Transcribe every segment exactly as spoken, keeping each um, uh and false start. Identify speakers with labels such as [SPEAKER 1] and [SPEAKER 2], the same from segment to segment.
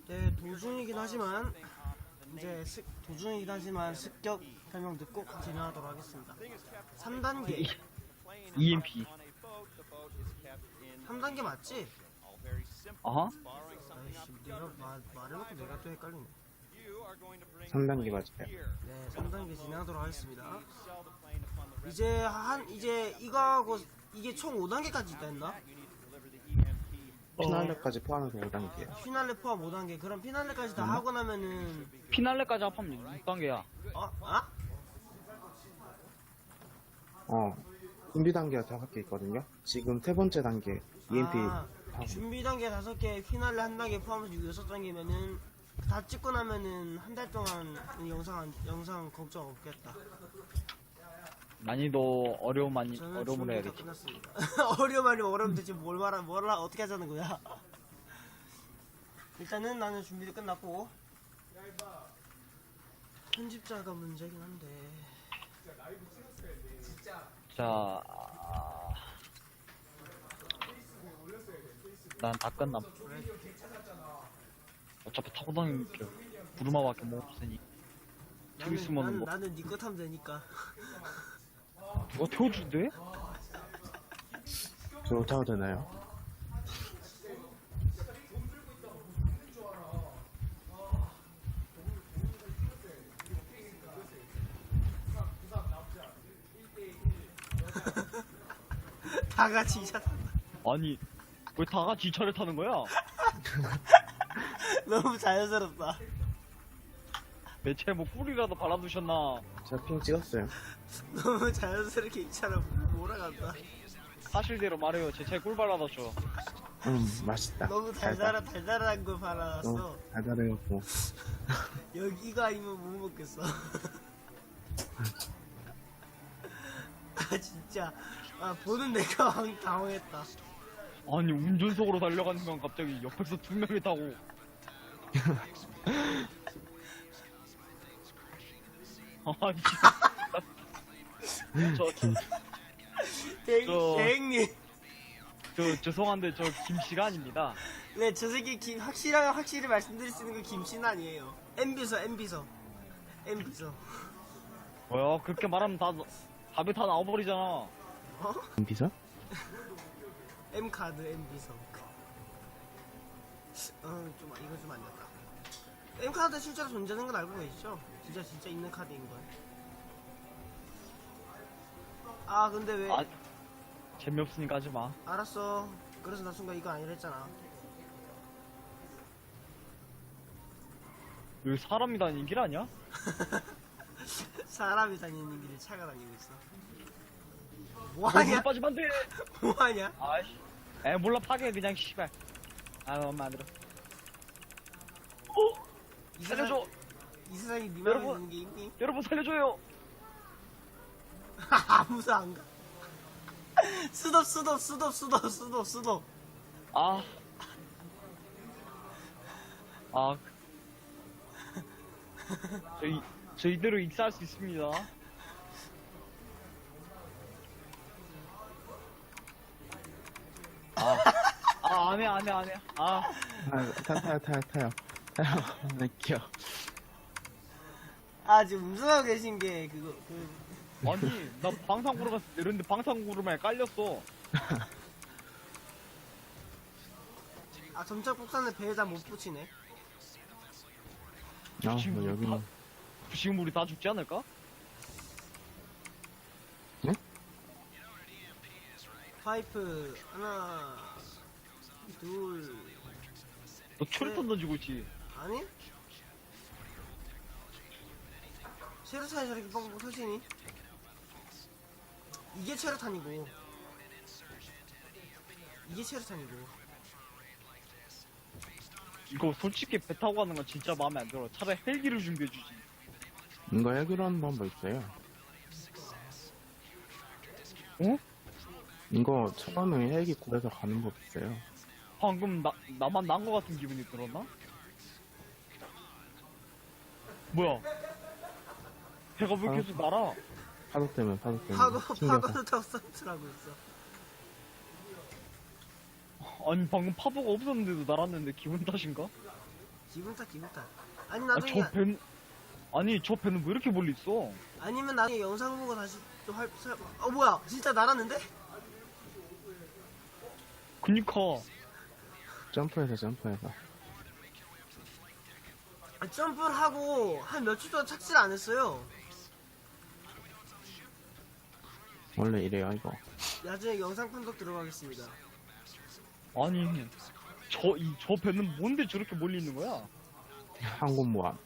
[SPEAKER 1] 네, 도중이긴 하지만 이제 습, 도중이긴 하지만 습격 설명 듣고 진행하도록 하겠습니다. 삼 단계.
[SPEAKER 2] 이엠피.
[SPEAKER 1] 삼 단계 맞지?
[SPEAKER 2] 아하?
[SPEAKER 1] 아이씨, 내가 말, 말해놓고 내가 또 헷갈리네.
[SPEAKER 3] 삼 단계 맞아요.
[SPEAKER 1] 네, 삼 단계 진행하도록 하겠습니다. 이제 한 이제 이거하고 이게 총 오 단계까지 있다 했나?
[SPEAKER 3] 피날레까지 포함해서 오 단계예요.
[SPEAKER 1] 피날레 포함 오 단계. 그럼 피날레까지 다 하고 나면은
[SPEAKER 2] 피날레까지 합하면 육 단계야.
[SPEAKER 1] 어? 아?
[SPEAKER 3] 어, 준비 단계가 다섯 개 있거든요. 지금 세 번째 단계 이엠피
[SPEAKER 1] 아,
[SPEAKER 3] 다
[SPEAKER 1] 준비 단계 다섯 개, 피날레 한 단계 포함해서 여섯 단계면은 다 찍고 나면은 한 달 동안 영상 영상 걱정 없겠다.
[SPEAKER 2] 난이도 어려움 아니
[SPEAKER 1] 저는
[SPEAKER 2] 어려움을
[SPEAKER 1] 준비 다
[SPEAKER 2] 해야겠지.
[SPEAKER 1] 끝났습니다. 어려움 아니면 어려움 대체 뭘 말하 뭘 하- 어떻게 하자는 거야? 일단은 나는 준비도 끝났고 편집자가 문제긴 한데.
[SPEAKER 2] 자, 아, 난다 끝남. 어차피 타고 다니는 게 부르마밖에 못 없으니. 좀
[SPEAKER 1] 나는
[SPEAKER 2] 있으면은
[SPEAKER 1] 나는,
[SPEAKER 2] 뭐
[SPEAKER 1] 나는 니꺼 타면 되니까.
[SPEAKER 2] 누가 태워준대?
[SPEAKER 3] 저 타도 되나요?
[SPEAKER 1] 다 같이 이차 탄다.
[SPEAKER 2] 아니 왜 다 같이 이 차를 타는 거야?
[SPEAKER 1] 너무 자연스럽다.
[SPEAKER 2] 내 차에 뭐 꿀이라도 발라두셨나?
[SPEAKER 3] 제가 핑 찍었어요.
[SPEAKER 1] 너무 자연스럽게 이 차를 몰아간다.
[SPEAKER 2] 사실대로 말해요. 제 차에 꿀 발라뒀죠.
[SPEAKER 3] 음, 맛있다.
[SPEAKER 1] 너무 달달한 달달한 걸 발라놨어.
[SPEAKER 3] 어, 달달해갖고.
[SPEAKER 1] 여기 이거 아니면 못 먹겠어. 아 진짜 아 보는 내가 황- 당황했다.
[SPEAKER 2] 아니 운전석으로 달려가는 건 갑자기 옆에서 두 명이 타고. 아니 저,
[SPEAKER 1] 대,
[SPEAKER 2] 저-
[SPEAKER 1] 대행님.
[SPEAKER 2] 저 죄송한데 저 김씨가 아닙니다.
[SPEAKER 1] 네, 저 새끼 김 확실하게 확실히 말씀드릴 수 있는 건 김씨는 아니에요. 엠비서 엠비서 엠비서.
[SPEAKER 2] 뭐야 그렇게 말하면 다 답이 다 나와버리잖아.
[SPEAKER 1] 어?
[SPEAKER 3] 비서?
[SPEAKER 1] M 카드 엠비서. 어좀 이거 좀 아니었다. M 카드 실제로 존재하는 건 알고 계시죠? 진짜 진짜 있는 카드인 걸. 아 근데 왜?
[SPEAKER 2] 아 재미없으니까 하지 마.
[SPEAKER 1] 알았어. 그래서 나 순간 이거 아니라 했잖아.
[SPEAKER 2] 여기 사람이 다니는 길 아니야?
[SPEAKER 1] 사람이 다니는 길에 차가 다니고 있어.
[SPEAKER 2] 거기
[SPEAKER 1] 뭐하냐?
[SPEAKER 2] 빠지면 안 돼.
[SPEAKER 1] 뭐하냐?
[SPEAKER 2] 아이씨. 에 몰라 파괴 그냥 씨발. 아 엄마 안 들어. 어?
[SPEAKER 1] 이
[SPEAKER 2] 살려줘.
[SPEAKER 1] 세상, 이 세상에 니 맘에
[SPEAKER 2] 여러분.
[SPEAKER 1] 드는 게 있니?
[SPEAKER 2] 여러분 살려줘요.
[SPEAKER 1] 아무도 안 가. 수덥 수덥 수덥 수덥 수덥 수덥.
[SPEAKER 2] 아. 아. 저희 저희대로 익사할 수 있습니다. 아. 아 안해 안해 안해. 아.
[SPEAKER 3] 아, 타, 타요, 타요, 타요. 타요. 네, 귀여워.
[SPEAKER 1] 아 지금 음성하고 계신 게 그거 그
[SPEAKER 2] 아니 나 방탄구름 갔을 때 이런데 방탄구름에 깔렸어.
[SPEAKER 1] 아 점착 폭탄을 배에다 못 붙이네.
[SPEAKER 3] 아,
[SPEAKER 2] 지금
[SPEAKER 3] 뭐,
[SPEAKER 2] 우리
[SPEAKER 3] 여기는.
[SPEAKER 2] 다, 지금 우리 다 죽지 않을까?
[SPEAKER 1] 파이프 하나 둘
[SPEAKER 2] 너 철탄 던지고 있지.
[SPEAKER 1] 아니? 체르탄이 저렇게 뻥뻥 터지니? 이게 체르탄이고 이게 체르탄이고
[SPEAKER 2] 이거 솔직히 배 타고 가는 건 진짜 마음에 안 들어. 차라리 헬기를 준비해주지.
[SPEAKER 3] 이거 해결 하는 방법 있어요.
[SPEAKER 2] 어?
[SPEAKER 3] 이거 처음에 헬기 구해서 가는 법 있어요.
[SPEAKER 2] 방금 나, 나만 난 거 같은 기분이 들었나? 뭐야? 배가 왜
[SPEAKER 3] 아.
[SPEAKER 2] 계속 날아?
[SPEAKER 3] 파도 때문에, 파도 때문에.
[SPEAKER 1] 파고
[SPEAKER 3] 튕겨서.
[SPEAKER 1] 파고도 타고 서트라고 있어.
[SPEAKER 2] 아니 방금 파도가 없었는데도 날았는데 기분 탓인가?
[SPEAKER 1] 기분 탓 기분 탓. 아니
[SPEAKER 2] 아,
[SPEAKER 1] 나중에
[SPEAKER 2] 저 배, 아니, 저 배는 왜 이렇게 멀리 있어?
[SPEAKER 1] 아니면 나중에 영상 보고 다시 또 할. 살- 어 뭐야 진짜 날았는데?
[SPEAKER 2] 그니까.
[SPEAKER 3] 점프해서 점프해서.
[SPEAKER 1] 아, 점프를 하고 한 며칠 동안 착지를 안 했어요.
[SPEAKER 3] 원래 이래요 이거.
[SPEAKER 1] 나중에 영상 판독 들어가겠습니다.
[SPEAKER 2] 아니, 저, 이, 저 배는 뭔데 저렇게 멀리 있는 거야?
[SPEAKER 3] 항공모함.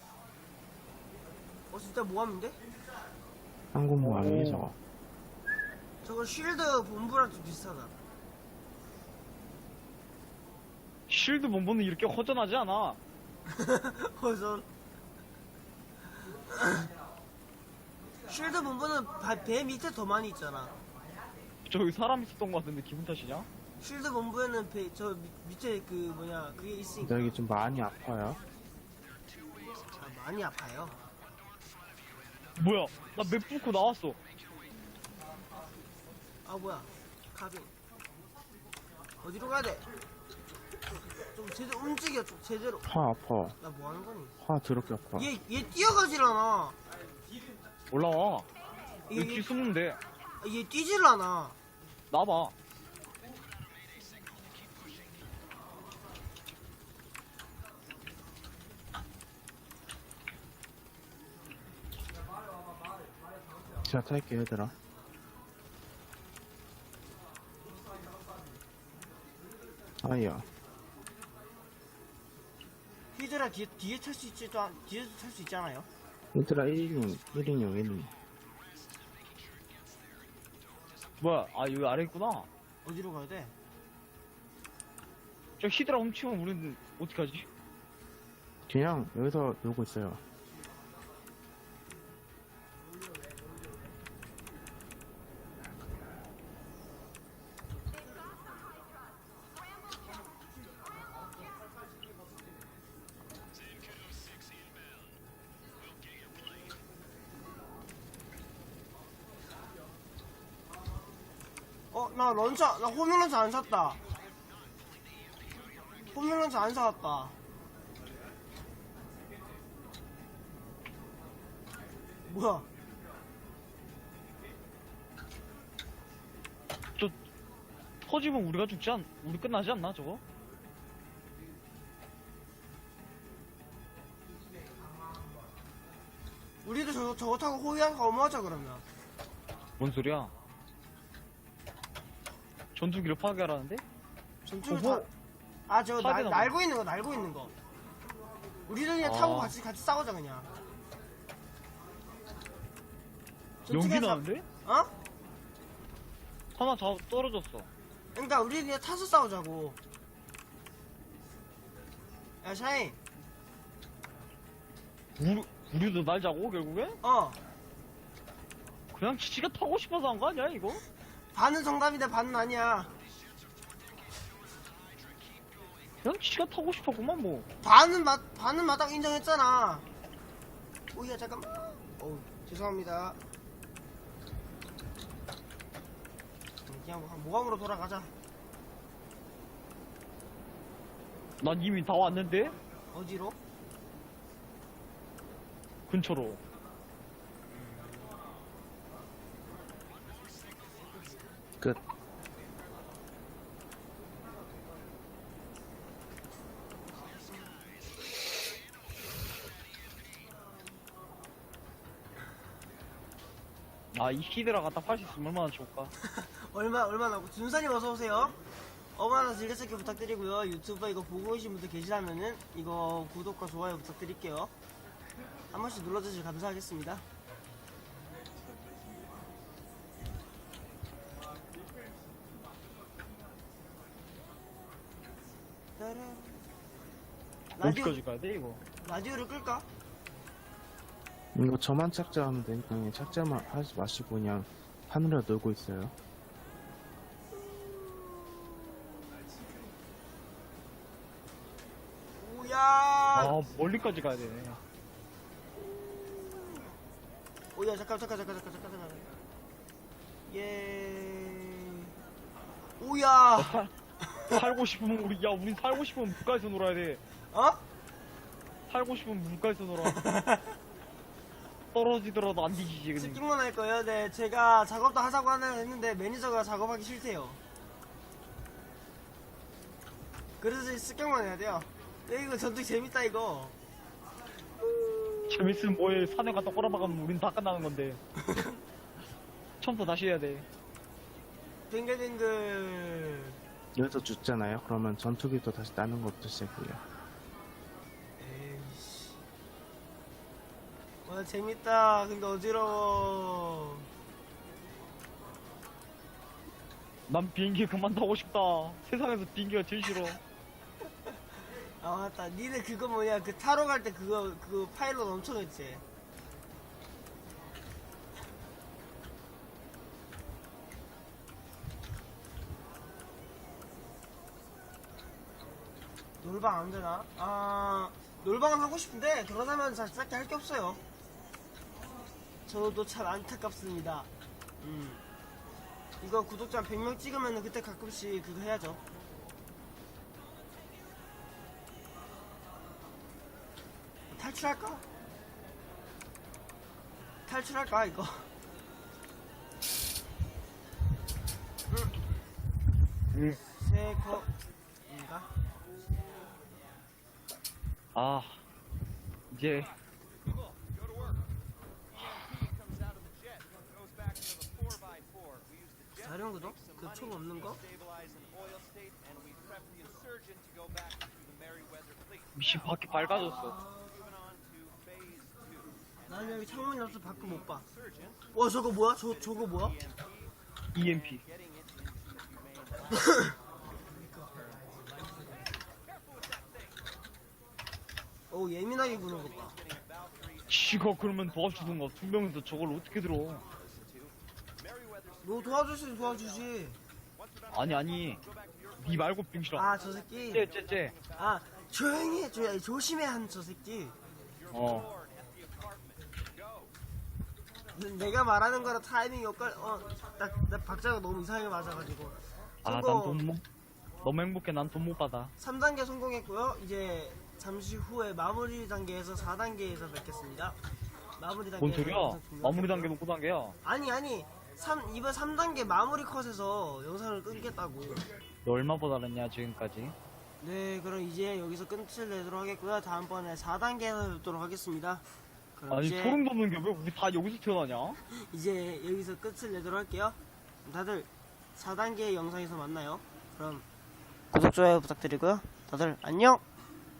[SPEAKER 1] 어 진짜 모함인데?
[SPEAKER 3] 항공모함이
[SPEAKER 2] 오.
[SPEAKER 3] 저거.
[SPEAKER 1] 저거 쉴드 본부랑 좀 비슷하다.
[SPEAKER 2] 쉴드 본부는 이렇게 허전하지 않아.
[SPEAKER 1] 우선 쉴드 본부는 바- 배 밑에 더 많이 있잖아.
[SPEAKER 2] 저기 사람 있었던 것 같은데 기분 탓이냐?
[SPEAKER 1] 쉴드 본부에는 배, 저 밑- 밑에 그 뭐냐 그게 있으니까.
[SPEAKER 3] 여기 좀 많이 아파요.
[SPEAKER 1] 아, 많이 아파요.
[SPEAKER 2] 뭐야, 나 맵 뚫고 나왔어.
[SPEAKER 1] 아 뭐야 가빙 어디로 가야 돼? 좀 제대로 움직여 좀 제대로.
[SPEAKER 3] 화 아파.
[SPEAKER 1] 나 뭐 하는 거니?
[SPEAKER 3] 화 더럽게 아파.
[SPEAKER 1] 얘 얘 뛰어가질 않아.
[SPEAKER 2] 올라와.
[SPEAKER 1] 얘,
[SPEAKER 2] 여기
[SPEAKER 1] 얘,
[SPEAKER 2] 뒤 숨는데.
[SPEAKER 1] 얘 뛰질 않아.
[SPEAKER 2] 나봐.
[SPEAKER 3] 제가 탈게요 얘들아. 아이야.
[SPEAKER 1] 히드라 뒤에 뒤에 탈 수 있지도 않 뒤에도 탈 수 있잖아요.
[SPEAKER 3] 얘들아 일 인용 일 인용 일 인용.
[SPEAKER 2] 뭐야, 아, 여기 아래 있구나.
[SPEAKER 1] 어디로 가야 돼?
[SPEAKER 2] 저 히드라 훔치면 우리는 어떡하지?
[SPEAKER 3] 그냥 여기서 놀고 있어요.
[SPEAKER 1] 어, 나 런처, 나 호밀 런처 안 샀다. 호밀 런처 안 사왔다. 뭐야?
[SPEAKER 2] 저, 터지면 우리가 죽지 않, 우리 끝나지 않나, 저거?
[SPEAKER 1] 우리도 저거, 저거 타고 호위한 거 어머하자, 그러면.
[SPEAKER 2] 뭔 소리야? 전투기를 파괴하라는데?
[SPEAKER 1] 전투를
[SPEAKER 2] 어, 뭐?
[SPEAKER 1] 다, 아, 저거 날,
[SPEAKER 2] 파괴나
[SPEAKER 1] 날고 있는 거, 날고 있는 거. 우리도 그냥
[SPEAKER 2] 아.
[SPEAKER 1] 타고 같이, 같이 싸우자, 그냥.
[SPEAKER 2] 연기
[SPEAKER 1] 전투기가
[SPEAKER 2] 나는데?
[SPEAKER 1] 사- 어?
[SPEAKER 2] 하나 다 떨어졌어.
[SPEAKER 1] 그러니까 우리 그냥 타서 싸우자고. 야, 샤인.
[SPEAKER 2] 우리, 우리도 날자고, 결국에?
[SPEAKER 1] 어.
[SPEAKER 2] 그냥 지가 타고 싶어서 한 거 아니야, 이거?
[SPEAKER 1] 반은 정답인데 반은 아니야.
[SPEAKER 2] 그냥 지가 타고 싶었구만, 뭐.
[SPEAKER 1] 반은 마, 반은 마땅 인정했잖아. 오야 잠깐만. 어우 죄송합니다. 그냥 뭐, 모함으로 돌아가자.
[SPEAKER 2] 난 이미 다 왔는데?
[SPEAKER 1] 어디로?
[SPEAKER 2] 근처로.
[SPEAKER 3] 끝.
[SPEAKER 2] 아, 이 히드라 갖다 팔 수 있으면 얼마나 좋을까?
[SPEAKER 1] 얼마 얼마나 준사님 어서 오세요. 어마나 즐겨찾기 부탁드리고요. 유튜브 이거 보고 계신 분들 계시다면은 이거 구독과 좋아요 부탁드릴게요. 한 번씩 눌러주시면 감사하겠습니다. 따란. 라디오
[SPEAKER 2] 어디까지 가야 돼, 이거?
[SPEAKER 1] 라디오를 끌까?
[SPEAKER 3] 이거 저만 착자하면 되니까 그냥 착자만 하지 마시고 그냥 하늘에 놀고 있어요.
[SPEAKER 1] 오야.
[SPEAKER 2] 아, 멀리까지 가야 되네.
[SPEAKER 1] 오야 잠깐 잠깐 잠깐 잠깐 잠깐 잠깐. 예. 오야.
[SPEAKER 2] 살, 살고 싶으면 우리, 야, 우리 살고 싶으면 물가에서 놀아야 돼.
[SPEAKER 1] 어?
[SPEAKER 2] 살고 싶으면 물가에서 놀아. 떨어지더라도 안 뒤지지 그냥.
[SPEAKER 1] 스킨만 할 거예요. 네, 제가 작업도 하자고 하나 했는데 매니저가 작업하기 싫대요. 그래서 스킨만 해야 돼요. 야, 이거 전투 재밌다 이거.
[SPEAKER 2] 재밌으면 뭐해. 산에 갔다 꼬라박으면 우린 다 끝나는 건데. 처음부터 다시 해야 돼.
[SPEAKER 1] 빙글빙글.
[SPEAKER 3] 여기서 죽잖아요. 그러면 전투기도 다시 따는 것부터 시작해요.
[SPEAKER 1] 에이씨. 와, 재밌다. 근데 어지러워.
[SPEAKER 2] 난 비행기 그만 타고 싶다. 세상에서 비행기가 제일 싫어.
[SPEAKER 1] 아, 맞다. 니네 그거 뭐냐. 그 타로 갈 때 그거, 그거 파일럿 엄청 했지. 놀방 안 되나? 아, 놀방은 하고 싶은데, 그러자면 잘 딱히 할 게 없어요. 저도 참 안타깝습니다. 음. 이거 구독자 백 명 찍으면 그때 가끔씩 그거 해야죠. 탈출할까? 탈출할까, 이거?
[SPEAKER 2] 응.
[SPEAKER 1] 세커인가?
[SPEAKER 2] 아, 이제
[SPEAKER 1] 자령 구독? 그 총 없는 거?
[SPEAKER 2] 미신 바퀴 밝아졌어.
[SPEAKER 1] 나는 여기 창문이 없어 밖을 못 봐. 와, 저거 뭐야? 저, 저거 뭐야?
[SPEAKER 2] 이엠피.
[SPEAKER 1] 오, 예민하게 구는 것 봐.
[SPEAKER 2] 지가 그러면 도와주던가. 두 명이서 저걸 어떻게 들어.
[SPEAKER 1] 너 도와줄 수 있으면 도와주지.
[SPEAKER 2] 아니 아니 니 말고 병실아.
[SPEAKER 1] 아, 저 새끼.
[SPEAKER 2] 쟤쟤쟤.
[SPEAKER 1] 아, 조용히 해. 조, 조심해, 한 저 새끼.
[SPEAKER 2] 어.
[SPEAKER 1] 내가 말하는 거랑 타이밍이 엇갈, 어, 나, 나 박자가 너무 이상하게 맞아가지고.
[SPEAKER 2] 아 난
[SPEAKER 1] 저거
[SPEAKER 2] 돈 못. 너무 행복해. 난 돈 못 받아.
[SPEAKER 1] 삼 단계 성공했고요. 이제 잠시 후에 마무리 단계에서 사 단계에서 뵙겠습니다. 마무리 단계.
[SPEAKER 2] 뭔 소리야? 마무리 단계는 구 단계야.
[SPEAKER 1] 아니, 아니. 삼, 이번 삼 단계 마무리 컷에서 영상을 끊겠다고.
[SPEAKER 2] 너 얼마 받았냐 지금까지?
[SPEAKER 1] 네, 그럼 이제 여기서 끝을 내도록 하겠고요. 다음번에 사 단계에서 뵙도록 하겠습니다. 그럼
[SPEAKER 2] 아니
[SPEAKER 1] 이제,
[SPEAKER 2] 소름 돋는 게 왜 우리 다 여기서 태어나냐?
[SPEAKER 1] 이제 여기서 끝을 내도록 할게요. 다들 사 단계 영상에서 만나요. 그럼 구독, 좋아요 부탁드리고요. 다들 안녕!